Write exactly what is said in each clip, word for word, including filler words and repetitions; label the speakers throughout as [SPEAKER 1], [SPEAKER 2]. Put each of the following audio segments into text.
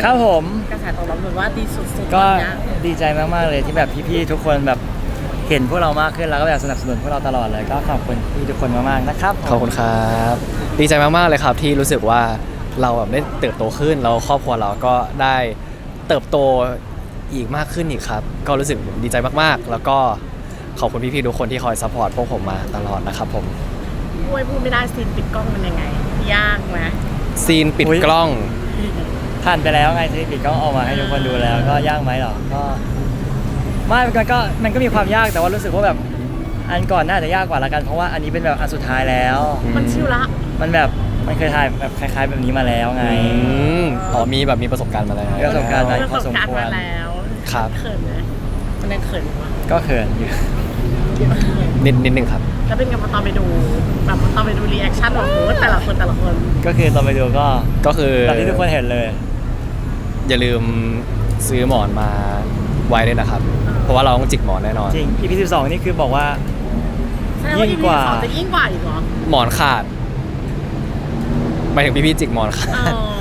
[SPEAKER 1] ครับผม
[SPEAKER 2] กระแสตอบรับเหมือนว่าดีสุดๆ
[SPEAKER 1] ก็
[SPEAKER 2] นะ
[SPEAKER 1] ดีใจมากๆเลยที่แบบพี่ๆทุกคนแบบเห็นพวกเรามากขึ้นแล้วก็แบบสนับสนุนพวกเราตลอดเลยก็ขอบคุณพี่ทุกคนมากๆนะครับ
[SPEAKER 3] ขอบคุณครับดีใจมากๆเลยครับที่รู้สึกว่าเราแบบได้เติบโตขึ้นแล้วครอบครัวเราก็ได้เติบโตอีกมากขึ้นอีกครับก็รู้สึกดีใจมากๆแล้วก็ขอบคุณพี่ๆทุกคนที่คอยซัพพอร์ตพวกผมมาตลอดนะครับผม
[SPEAKER 2] พูดพูดไม่ได้ซีนปิดกล้องมันยังไงยากไหม
[SPEAKER 3] ซีนปิดกล้อง
[SPEAKER 1] ผ่านไปแล้วไงที่ปิดกล้องออกมาให้ทุกคนดูแล้วก็ยากไหมหรอก็ไม่มันก็มันก็มีความยากแต่ว่ารู้สึกว่าแบบอันก่อนน่าจะยากกว่าละกันเพราะว่าอันนี้เป็นแบบอันสุดท้ายแล้ว
[SPEAKER 2] มันชิวละ
[SPEAKER 1] มันแบบมันเคยถ่ายแบบคล้ายๆแบบนี้มาแล้วไง
[SPEAKER 3] อ๋อมีแบบมีประสบการณ์มาแล้ว
[SPEAKER 1] มีประสบการณ์มาพอสมควร
[SPEAKER 2] แล้ว
[SPEAKER 3] ครับ
[SPEAKER 2] เขินไหมมันยังเขินอยู่
[SPEAKER 1] ก็เขินอยู่
[SPEAKER 3] นิดนิดนึงครับ
[SPEAKER 2] แล้วเป็นไงพอตอนไปดูแบบตอนไปดูรีแอคชั่นของโค้ชแต่ละคนแต่ละคน
[SPEAKER 1] ก็คือตอนไปดูก็
[SPEAKER 3] ก็คือ
[SPEAKER 1] แบบที่ทุกคนเห็นเลย
[SPEAKER 3] อย่าลืมซื้อหมอนมาไว้ด้วยนะครับเพราะว่าเราต้องจิกหมอนแน่นอน
[SPEAKER 1] จริง อี พี สิบสองนี่คือบอกว่า
[SPEAKER 2] ยิ่งกว่าจะยิ่งกว่าอีกเหรอ
[SPEAKER 3] หมอนขาดหมายถึงพี่พี่จิกหมอนขาด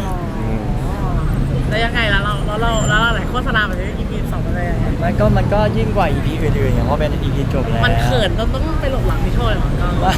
[SPEAKER 2] แล้วยังไงแล้วเราแล้วเราแล้วเราไหนโฆษณาแบบนี้ อี พี สองมันเลย
[SPEAKER 1] มันก็มันก็ยิ่งกว่า อี พี อื่นๆอย่างเพราะเป็น อี พี จบแล้ว
[SPEAKER 2] มันเขินต้องต้องไปหลบหลังพี่โชยหรอก็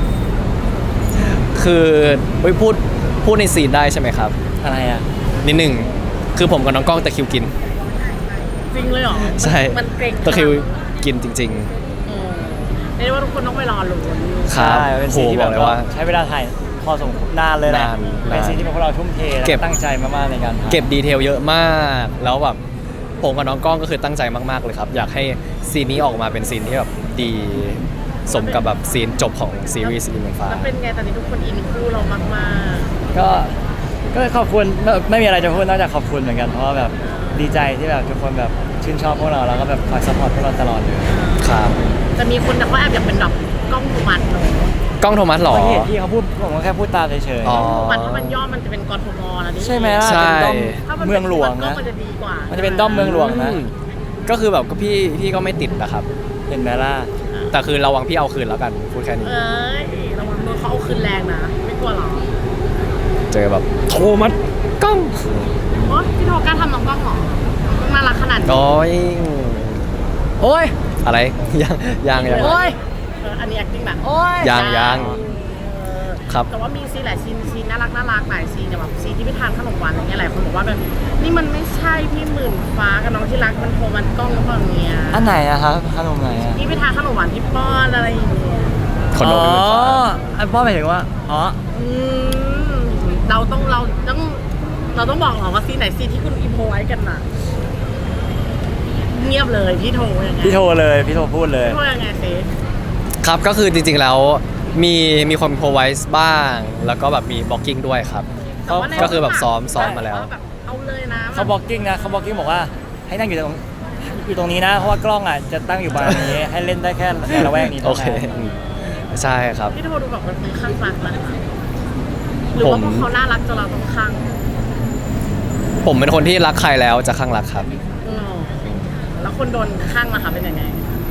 [SPEAKER 3] คือพูดพูดในซีนได้ใช่ไหมครับ
[SPEAKER 1] อะไรอ่ะ
[SPEAKER 3] นิดหนึ่งคือผมกับน้องกล้องตะคิวกิน
[SPEAKER 2] จริงเลยเหรอ
[SPEAKER 3] ใช่
[SPEAKER 2] มันเกรง
[SPEAKER 3] ตะคิวกินจริง
[SPEAKER 2] ๆเรียกว่าทุกคนต้องไปรอลุ้น
[SPEAKER 1] ครับเป็นซีนที่แบบว่าใช้เวลาถ่ายพอสมควรนานเลยแหละเป็นซีนที่พวกเราทุ่มเทและตั้งใจมากๆในการ
[SPEAKER 3] เก็บดีเทลเยอะมากแล้วแบบผมกับน้องกล้องก็คือตั้งใจมากๆเลยครับอยากให้ซีนนี้ออกมาเป็นซีนที่แบบดีสมกับแบบซีนจบของซีรีส์ซีรีส์เมืองฟ้า
[SPEAKER 2] แล้วเป็นไงตอนนี้ทุกคนอินคู่เรามาก
[SPEAKER 1] ๆก็ก็ขอบคุณไม่มีอะไรจะพูดนอกจากขอบคุณเหมือนกันเพราะว่าแบบดีใจที่แบบทุกคนแบบชื่นชอบพวกเราแล้วก็แบบคอยซัพพอร์ตพวกเราตลอดเลย
[SPEAKER 3] ครับ
[SPEAKER 2] จะมีคนเขาแอบอยากเป็นแบบกล้องโทมัสเนาะ
[SPEAKER 3] กล้องโทมัสหรอ
[SPEAKER 1] เห็นที่เขาพูดผมก็แค่พูดตามเฉย
[SPEAKER 2] ๆกล้องโทมัสถ้ามันย่อมันจะเป็นกทมนะนี่
[SPEAKER 1] ใช่ไหมล่ะเป็นด้อมเมืองหลวงนะ
[SPEAKER 2] มันจะดีกว่า
[SPEAKER 1] มันจะเป็นด้อมเมืองหลวงนะ
[SPEAKER 3] ก็คือแบบก็พี่พี่ก็ไม่ติดนะครับ
[SPEAKER 1] เห็นไหมล่ะ
[SPEAKER 3] แต่คือระวังพี่เอาคืนแล้วกันพูดแค่นี้
[SPEAKER 2] เอ้ยระวังโดนเขาเอาคืนแรงนะไม่กลัวหรอ
[SPEAKER 3] เจอแบบโทมัสกล้อง
[SPEAKER 2] โอ้พี่โทกล้าทำน้องกล้องหรอน่ารักขนาดนี้
[SPEAKER 3] โอ้ย
[SPEAKER 1] โอ้ย
[SPEAKER 3] อะไรยังยังยัง
[SPEAKER 2] โอ้ยอันนี้ acting แบบโอ้ย
[SPEAKER 3] ยังยังครับ
[SPEAKER 2] แต่ว่ามีซีนหลายซีนซีนน่ารักน่ารักหลายซีนอย่างแบบซีนที่ไปทานขนมหวานอะไรเงี้ยหลายคนบอกว่าแบบนี่มันไม่ใช่พี่หมื่นฟ้ากับน้องที่รักมันโทรมันกล้องหรือเปล่าเนี่ย
[SPEAKER 1] อันไหนอะครับขนมไหนอะ
[SPEAKER 2] นี่ไปทานขนมหวานที่ป้อนอะไรอย่างเงี้ย
[SPEAKER 3] ขนม
[SPEAKER 1] อ๋ออันป้อนหมายถึงว่าอ๋อ
[SPEAKER 2] เราต้องเราต้องเราต้องบอกหรอว่าซีนไหนซีนที่คุณอิมโพไว้กันน่ะเงียบเลยพี่โทยังไง
[SPEAKER 1] พี่โทเลยพี่โทพูดเลย
[SPEAKER 2] พี่โทยังไงซิ
[SPEAKER 3] ครับก็คือจริงๆแล้วมีมีความโพรไวส์บ้างแล้วก็แบบมีบล็อกกิ้งด้วยครับก็คือแบบซ้อมซ้อมมาแล้ว
[SPEAKER 2] เอาเลยนะ
[SPEAKER 1] เขาบล็อกกิ้งนะเขาบล็อกกิ้งบอกว่าให้นั่งอยู่ตรงอยู่ตรงนี้นะเพราะว่ากล้องอ่ะจะตั้งอยู่ประมาณนี้ให้เล่นได้แค่ในละแวกนี้
[SPEAKER 3] โอเคใช่ครับ
[SPEAKER 2] พี่โทดูแบบเป็นข้างรักนะคะหรือว่าพวกเขาน่ารักจนเราต้องข้าง
[SPEAKER 3] ผมเป็นคนที่รักใครแล้วจะข้างรักครับ
[SPEAKER 2] แล้วคนโดนข้างล่ะคะเป็นยังไง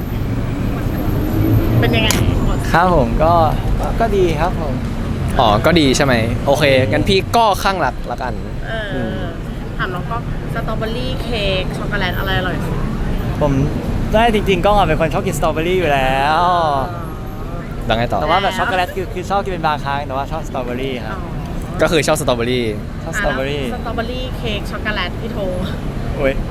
[SPEAKER 2] เป็นยังไง
[SPEAKER 1] ครับผมก็ก็ดีครับผม
[SPEAKER 3] อ๋อก็ดีใช่ไหมโอเคงั้นพี่ก็ข้างรักละกัน
[SPEAKER 2] เออถามน้องก็สตรอเบอรี่เค้กช็อกโกแลตอะไรอร่อยสุด
[SPEAKER 1] ผมได้จริงๆก็เป็นคนชอบกินสตรอเบอรี่อยู่แล้ว
[SPEAKER 3] ดังไงต่อ
[SPEAKER 1] แต่ว่าแบบช็อกโกแลตคือคือชอบกินเป็นบางครั้งแต่ว่าชอบสตรอเบอรี่ครับ
[SPEAKER 3] ก็คือชอบสตรอเบอรี่
[SPEAKER 1] ชอบสตรอเบอรี่
[SPEAKER 2] สตรอเบอรี่เค้กช็อกโกแลตพี่โท
[SPEAKER 1] โอ้ย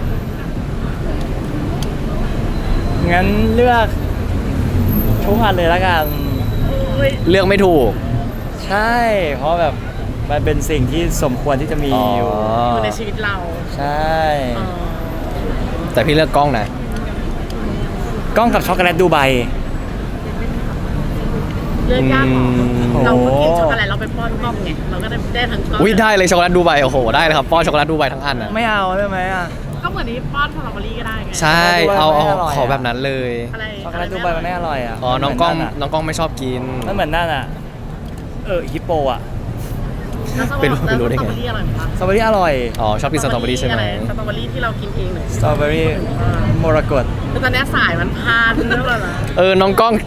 [SPEAKER 1] งั้นเลือกทุกอันเลยละกัน
[SPEAKER 3] เลือกไม่ถูก
[SPEAKER 1] ใช่เพราะแบบมันเป็นสิ่งที่สมควรที่จะมีอยู่
[SPEAKER 2] ในชีวิตเรา
[SPEAKER 1] ใช่
[SPEAKER 3] แต่พี่เลือกกล้องนะ
[SPEAKER 1] กล้องกับช็อกโกแลตดูไบ
[SPEAKER 2] เลือกยากเรากินช็อกโกแลตเราไปป้อนกล้องไงเราก็ได้ได้ทั้งกล้อง
[SPEAKER 3] อุ้ยได้เลยช็อกโกแลตดูไบโอ้โหได้เลยครับป้อนช็อกโกแลตดูไบทั้งอันนะ
[SPEAKER 1] ไม่เอาได้ไหมอ่ะ
[SPEAKER 2] ก็เหมือนที่ป้อนสตรอเบอรี่ก็ได้ไง
[SPEAKER 3] ใช่เอาเอาขอแบบนั้นเลย
[SPEAKER 1] ช็อกโกแลตดูไบมันไม่อร่อยอ่ะ
[SPEAKER 3] อ๋อน้องกล้องน้องกล้องไม่ชอบกิน
[SPEAKER 1] มันเหมือนนั่นอ่ะเออฮิปโปอ่ะ
[SPEAKER 3] เป็นเป็นรู้ได้ไง
[SPEAKER 1] สตรอเบอรี่อร่อย
[SPEAKER 3] อ๋อชอบกินสตรอเบอรี่ใช่ไหม
[SPEAKER 2] สตรอเบอรี่ที่เรากินเองเลย
[SPEAKER 1] สตรอเบอรี่มรกต
[SPEAKER 2] คือตอนนี้สายมันพาดเรื่องอะไร
[SPEAKER 3] เออน้องกล้อง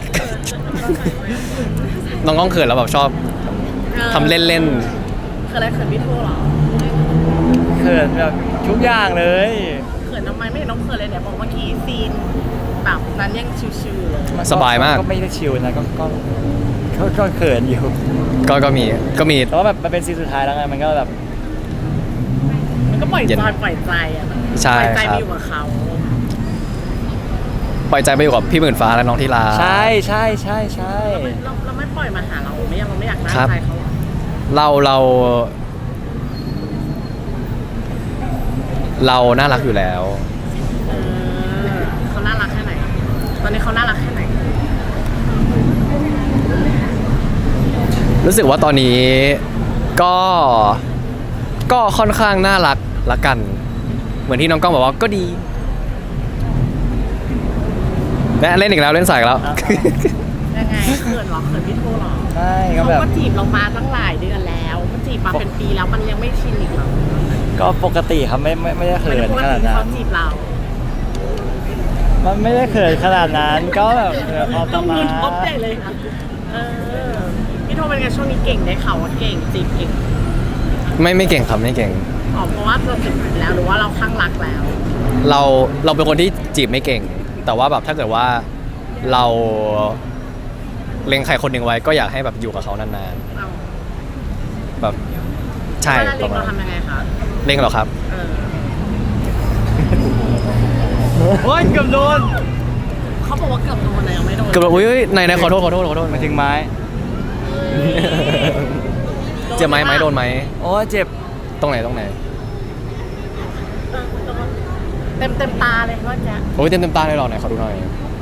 [SPEAKER 3] น้องกล้องเขินแล้วแบบชอบทำเล่น
[SPEAKER 2] ๆคืออะไรเขินพี่โทหรอ
[SPEAKER 1] คเขินแบบทุกอย่างเลย
[SPEAKER 2] เขินทำไมไม่เห็นน้องเขินเลยเนี่ยบอกเมื่อกี้ซีนแบบนั้นยังชิวๆเลย
[SPEAKER 3] สบายมาก
[SPEAKER 1] ก็ไม่ได้ชิลนะก็ก็ก็ก็เขินอยู่
[SPEAKER 3] ก็ก็มีก็มี
[SPEAKER 1] แต่ว่าแบบมันเป็นซีนสุดท้ายแล้วไงมันก็แบบ
[SPEAKER 2] มันก็ปล่อย
[SPEAKER 3] เย็น
[SPEAKER 2] จอยปล่อยใจอะมัน
[SPEAKER 3] ใช่
[SPEAKER 2] ปล่อยใจ
[SPEAKER 3] ครับ
[SPEAKER 2] ไปอยู่กับเขา
[SPEAKER 3] ปล่อยใจไปอยู่กับพี่หมื่นฟ้าและน้องทีลา
[SPEAKER 1] ใช่ใช่ใช่ใช่
[SPEAKER 2] เราเราไม่ปล่อยมาหาเราไม่อยากเราไม่อยากได้
[SPEAKER 3] ครับ
[SPEAKER 2] ใจเขาหรอ
[SPEAKER 3] เราเรา เราน่ารักอยู่แล้ว
[SPEAKER 2] เออเขาน่ารักแค่ไหน ตอนนี้เขาน่ารักแค่ไหน
[SPEAKER 3] รู้สึกว่าตอนนี้ก็ก็ค่อนข้างน่ารักละกัน เหมือนที่น้องก้องบอกว่าก็ดีและเล่นอีกแล้วเล่นสายอีกแล้ว
[SPEAKER 2] ยังไงเขินเหรอเขินพี่โทเหรอ
[SPEAKER 1] ใช่ก็
[SPEAKER 2] เขา
[SPEAKER 1] แบบ
[SPEAKER 2] ก็จีบเรามาตั้งหลายเดือนแล้วเขาจีบมาเป็นปีแล้วมันยังไม่ชินอีกเหรอ
[SPEAKER 1] ก็ปกติครับไม่ไม่ไม่ได้เขิ
[SPEAKER 2] ไม่ได้
[SPEAKER 1] น
[SPEAKER 2] ปก
[SPEAKER 1] ข
[SPEAKER 2] ติ
[SPEAKER 1] นาด
[SPEAKER 2] ที่
[SPEAKER 1] นั้
[SPEAKER 2] เขา
[SPEAKER 1] น
[SPEAKER 2] จีบเรา
[SPEAKER 1] มันไม่ได้เขินขนาดนั้นก็แบบเออพอป
[SPEAKER 2] ต้อ
[SPEAKER 1] ระ
[SPEAKER 2] ง
[SPEAKER 1] มา
[SPEAKER 2] มื
[SPEAKER 1] ณ
[SPEAKER 2] อทบใหญ่เลยค่ะเออพี่โทเป็นไงช่วงนี้เก่งได้ข่าวว่าเก่งจีบเก่ง
[SPEAKER 3] ไม่ไม่เก่งครับไม่เก่ง
[SPEAKER 2] อ๋อเพราะว่าเราจีบแล้วหรือว่าเราข้างรักแล้ว
[SPEAKER 3] เราเราเป็นคนที่จีบไม่เก่ง แต่ว่าแบบถ้าเกิดว่าเราเล็งใครคนหนึ่งไว้ก็อยากให้แบบอยู่กับเขานาน
[SPEAKER 2] เอา
[SPEAKER 3] ๆแบบใช่
[SPEAKER 2] เวลา
[SPEAKER 3] ป
[SPEAKER 2] เล็
[SPEAKER 3] ระ
[SPEAKER 2] ง
[SPEAKER 3] มาณ
[SPEAKER 2] เราทำยังไงคะ
[SPEAKER 3] เล็งเหรอครับ
[SPEAKER 2] เออ
[SPEAKER 1] โอ้ยเกือบโดน
[SPEAKER 2] เขาบอกว่าเกือบโดนเลยยังไม่โดน
[SPEAKER 3] เกือบแบบอุ้ยไหนไหนขอโทษขอโทษขอโทษ
[SPEAKER 1] มาถึงไม้
[SPEAKER 3] เจ็บไหมไหมโดนไหม
[SPEAKER 1] โอ้ยเจ็บ
[SPEAKER 3] ตรงไหนตรงไหน
[SPEAKER 2] เออโดนเต็มเต็มตาเลยเมื่อกี้
[SPEAKER 3] โอ้ยเต็มเต็มตาเลยเหรอไหนขอดูหน่อย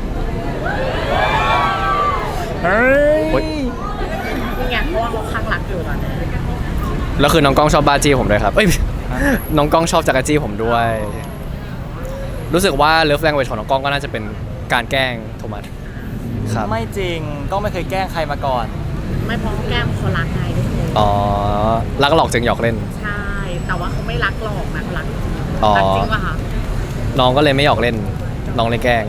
[SPEAKER 1] เฮ้ย
[SPEAKER 3] โอ๊ย
[SPEAKER 2] นี่ไงเพราะว่าเขาข้างรักอยู่ตอนนี้
[SPEAKER 3] แล้วคือน้องกล้องชอบบ้าจี้ผมด้วยครับเอ้ย น้องกล้องชอบจักรจี้ผมด้วย รู้สึกว่าเลิฟแลงเวจของน้องกล้องก็น่าจะเป็นการแกล้งโทมัสครับ
[SPEAKER 1] ไม่จริงก็ไม่เคยแกล้งใครมาก่อน
[SPEAKER 2] ไม่เพราะแก้มเขารักไงทุกคน
[SPEAKER 3] อ๋อรักหลอกจึงหยอกเล่น
[SPEAKER 2] ใช่ แต่ว่าเขาไม่รักหรอกนะเขารักจริง
[SPEAKER 3] อ๋อ
[SPEAKER 2] รักจริงป่ะคะ
[SPEAKER 3] น้องก็เลยไม่หยอกเล่น น้องเลยแกล้ง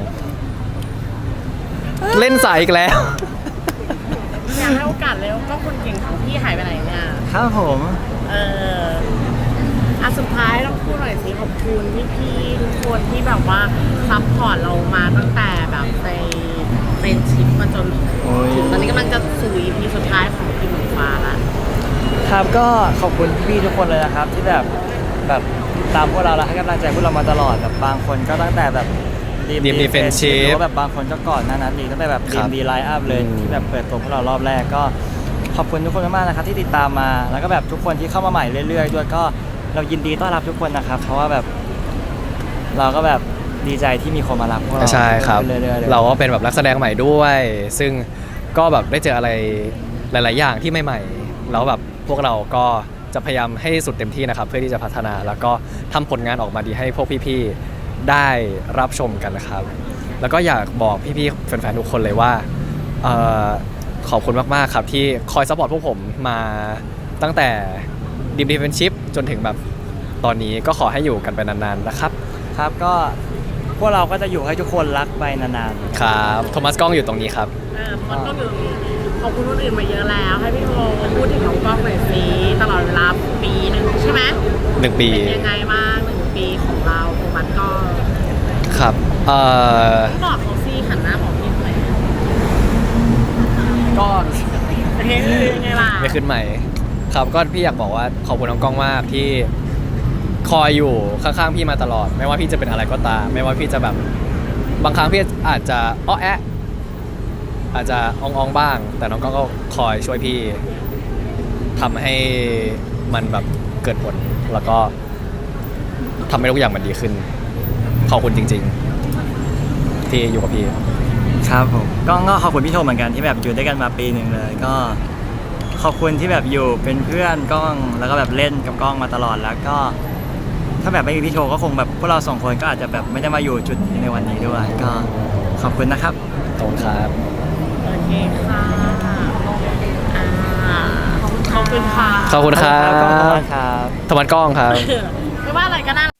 [SPEAKER 3] เล่นสายอีกแล้ว
[SPEAKER 2] อยากให้โอกาสเลยก็คนเก่งของพี่หายไปไหนเนี่ย
[SPEAKER 1] ครับผม
[SPEAKER 2] เอออ่ะสุดท้ายต้องพูดหน่อยสิขอบคุณพี่ๆทุกคนที่แบบว่าซัพพอร์ตเรามาตั้งแต่แบบในเป็นชิปมาจน
[SPEAKER 1] โอ้ย
[SPEAKER 2] ถึงตอนนี้กำลังจะสู่ อี พี สุดท้ายของพี่หมูฟ้าละ
[SPEAKER 1] ครับก็ขอบคุณพี่ๆทุกคนเลยนะครับ ที่แบบแบบตามพวกเราแล้วให้กำลังใจพวกเรามาตลอดแบบบางคนก็ตั้งแต่แบบ
[SPEAKER 3] Dream Defensive
[SPEAKER 1] หรือว่าแบบบางคนก็ก่อนหน้านั้นอีกตั้งแต่แบบ
[SPEAKER 3] ครั
[SPEAKER 1] ดี
[SPEAKER 3] บ
[SPEAKER 1] มดีไลน์อัพเลย
[SPEAKER 3] อืม
[SPEAKER 1] ที่แบบเปิดตัวพวกเรารอบแรกก็ขอบคุณทุกคนมากๆนะครับที่ติดตามมาแล้วก็แบบทุกคนที่เข้ามาใหม่เรื่อยๆด้วยก็เรายินดีต้อนรับทุกคนนะครับเพราะว่าแบบเราก็แบบดีใจที่มีคนมารับพวกเรา
[SPEAKER 3] ใช่ครับ
[SPEAKER 1] เรื่อยๆเลย
[SPEAKER 3] เราก็เป็นแบบนักแสดงใหม่ด้วย ซึ่งก็แบบได้เจออะไรหลาย ๆ อย่างที่ใหม่ๆแล้วแบบพวกเราก็จะพยายามให้สุดเต็มที่นะครับ เพื่อที่จะพัฒนาแล้วก็ทำผลงานออกมาดีให้พวกพี่ ๆ ได้รับชมกันนะครับ แล้วก็อยากบอกพี่ ๆ แฟน ๆ ทุกคนเลยว่าเอ่อขอบคุณมาก ๆ ครับที่คอยซัพพอร์ตพวกผมมาตั้งแต่ดีมดีเฟนชิพจนถึงแบบตอนนี้ก็ขอให้อยู่กันไปนาน ๆ นะครับ
[SPEAKER 1] ครับก็พวกเราก็จะอยู่ให้ทุกคนรักไปนานๆ
[SPEAKER 3] ครับโทมัสกล้องอยู่ตรงนี้ครับ
[SPEAKER 2] เออมันก็อยู่ขอบคุณคนอื่นมาเยอะแล้ว ให้พี่โทพูดถึงน้องกล้องหน่อยสิตลอดเวลาปีหนึ่งใช่ไหม
[SPEAKER 3] หนึ่งปี
[SPEAKER 2] เป็นยังไงบ้างหนึ่งปีของเราโทมัสก็
[SPEAKER 3] ครับเอ่อ
[SPEAKER 2] บอกเขาสิหันหน้าบอกพี่หน่อย
[SPEAKER 1] ก็
[SPEAKER 2] เฮ้ยยังไงล่ะ
[SPEAKER 3] ไม่ขึ้นใหม่ ครับก็พี่อยากบอกว่าขอบคุณน้องกล้องมากที่คอยอยู่ข้างๆพี่มาตลอด ไม่ว่าพี่จะเป็นอะไรก็ตาม ไม่ว่าพี่จะแบบบางครั้งพี่อาจจะอ้อแอะอาจจะอองๆบ้าง แต่น้องกล้องก็คอยช่วยพี่ทำให้มันแบบเกิดผล แล้วก็ทำให้ทุกอย่างมันดีขึ้น ขอบคุณจริง ๆ ที่อยู่กับพี่
[SPEAKER 1] ครับผมก็ก็ขอบคุณพี่โทเหมือนกันที่แบบอยู่ด้วยกันมาปีหนึ่งเลย ก็ขอบคุณที่แบบอยู่เป็นเพื่อนกล้องแล้วก็แบบเล่นกับกล้องมาตลอดแล้วก็ ถ้าแบบไม่มีพี่โทก็คงแบบพวกเราสองคนก็อาจจะแบบไม่ได้มาอยู่จุดนี้ในวันนี้ด้วย ก็ขอบคุณนะครับ
[SPEAKER 3] ขอบคุณครับ
[SPEAKER 2] โอเคค่ะอ่าขอบคุณค่ะ
[SPEAKER 3] ขอบคุณครับ
[SPEAKER 1] ขอบคุณครับ
[SPEAKER 3] โทมัสกล้องครับ
[SPEAKER 2] ไม่ว่าอะไรก็น่า